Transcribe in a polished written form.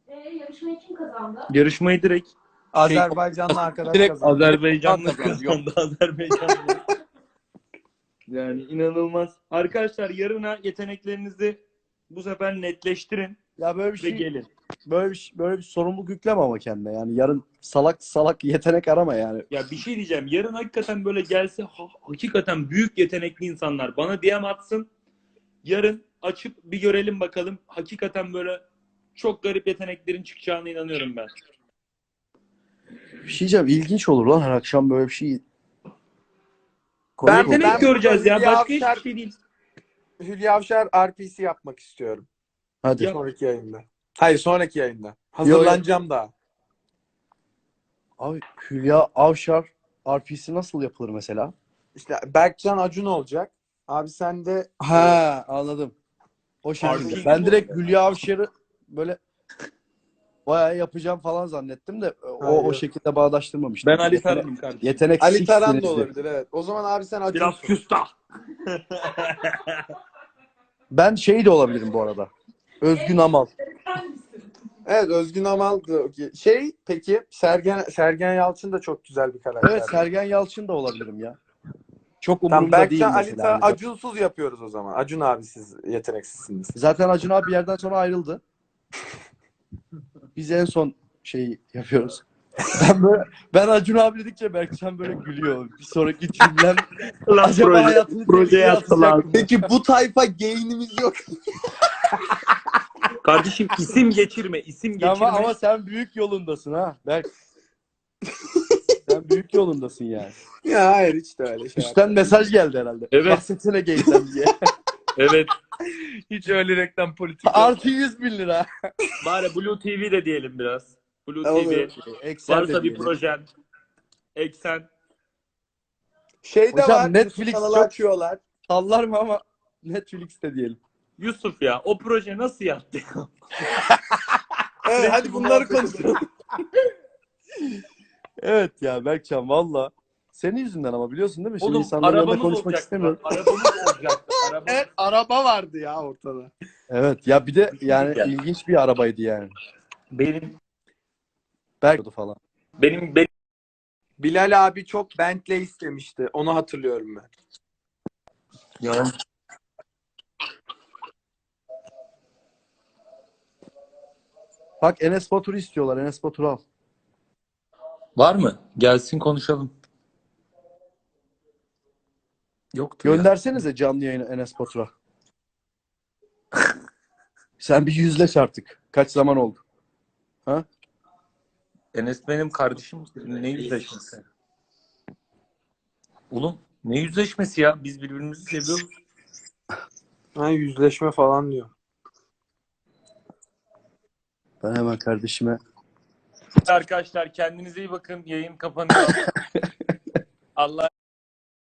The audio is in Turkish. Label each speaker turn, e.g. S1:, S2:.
S1: Yarışmayı kim kazandı?
S2: Yarışmayı direkt
S3: Azerbaycanlı arkadaş
S2: direkt
S3: kazandı.
S2: Azerbaycanlı
S3: Kazandı, yok.
S2: kazandı. Azerbaycanlı. Yani inanılmaz. Arkadaşlar yarına yeteneklerinizi bu sefer netleştirin
S4: Ya böyle bir
S2: ve
S4: şey,
S2: gelin.
S4: böyle bir sorumluluk yükleme ama kendine. Yani yarın salak salak yetenek arama yani.
S2: Ya bir şey diyeceğim. Yarın hakikaten böyle gelse hakikaten büyük yetenekli insanlar bana DM atsın. Yarın açıp bir görelim bakalım. Hakikaten böyle çok garip yeteneklerin çıkacağına inanıyorum ben.
S4: Bir şey diyeceğim, ilginç olur lan her akşam böyle bir şey.
S3: Ben
S2: Yetenek göreceğiz ya.
S3: Hülya
S2: Başka
S3: Avşar,
S2: hiçbir şey değil.
S3: Hülya Avşar RPC yapmak istiyorum.
S4: Hadi.
S2: Yap.
S3: Sonraki yayında. Hayır, sonraki yayında. Hazırlanacağım daha.
S4: Abi Hülya Avşar RP'si nasıl yapılır mesela?
S3: İşte Berkcan Acun olacak. Abi sen de
S4: Ha, anladım. O şekilde.
S2: RP
S4: Ben direkt
S2: bu.
S4: Hülya Avşar'ı böyle bayağı yapacağım falan zannettim de o
S3: Hayır.
S4: şekilde bağdaştırmamıştım.
S2: Ben Ali Taran'ım kardeşim.
S4: Yetenek
S3: Ali Taran da
S4: siksiniz diye.
S3: olabilir, evet. O zaman abi sen
S2: Biraz
S3: Acun'sun.
S2: küstah.
S4: Ben şey de olabilirim bu arada. Özgün Amal.
S3: Evet, Özgün Amal da okey. Peki Sergen Yalçın da çok güzel bir karakter.
S4: Evet, Sergen Yalçın da olabilirim ya. Çok
S3: Tamam,
S4: umurumda değil
S3: Berkcan, Ali
S4: mesela.
S3: Taran,
S4: Hani.
S3: Acunsuz yapıyoruz o zaman. Acun abi siz yeteneksizsiniz.
S4: Zaten Acun abi bir yerden sonra ayrıldı. Biz en son şeyi yapıyoruz. Ben Acun abi dedikçe Berkcan böyle gülüyor. Bir sonraki cümlem acaba hayatını
S2: projeye
S4: tehlikeye atacak
S2: atılan.
S4: mı?
S3: Peki bu tayfa gain'imiz yok.
S2: Kardeşim isim geçirme, isim geçirme.
S4: Ama sen büyük yolundasın ha Berk. Sen büyük yolundasın yani.
S3: Ya hayır, hiç de öyle şey
S4: Üstten mesaj geldi herhalde.
S2: Evet.
S4: Bahsetsene geysen diye.
S2: Evet. Hiç öyle reklam politik yok.
S4: Artı 100.000 lira.
S2: Bari Blue TV de diyelim biraz. Blue
S3: Olur.
S2: TV.
S4: Excel de
S2: Varsa bir
S4: diyelim.
S2: projen. Eksen.
S3: Şey de
S4: Hocam,
S3: var.
S4: Netflix
S3: kanalı
S4: çok-
S3: açıyorlar.
S4: Sallar mı ama Netflix'te diyelim.
S2: Yusuf ya o proje nasıl yattı?
S3: Evet, hadi bunları konuşalım.
S4: Evet ya Berkcan valla. Senin yüzünden ama biliyorsun değil mi? Şimdi
S2: Oğlum
S4: insanların yanında
S2: arabamız
S4: konuşmak
S2: olacaktı.
S4: istemiyorum.
S2: Arabamız olacaktı.
S3: Evet, araba vardı ya ortada.
S4: Evet ya bir de yani
S2: diyeceğim.
S4: ilginç bir arabaydı yani.
S2: Benim
S4: Berk falan.
S2: benim
S3: Bilal abi çok Bentley istemişti. Onu hatırlıyorum ben.
S2: ya.
S4: Bak Enes Batur'u istiyorlar. Enes Batur'u al.
S2: Var mı? Gelsin konuşalım. Yoktu ya.
S4: Göndersenize canlı yayını Enes Batur'a. Sen bir yüzleş artık. Kaç zaman oldu? Ha?
S2: Enes benim kardeşim. Ne yüzleşmesi? Oğlum ne yüzleşmesi ya? Biz birbirimizi seviyoruz.
S3: Ha, yüzleşme falan diyor.
S4: Ben hemen kardeşime
S2: Arkadaşlar kendinize iyi bakın. Yayın kapanıyor. Allah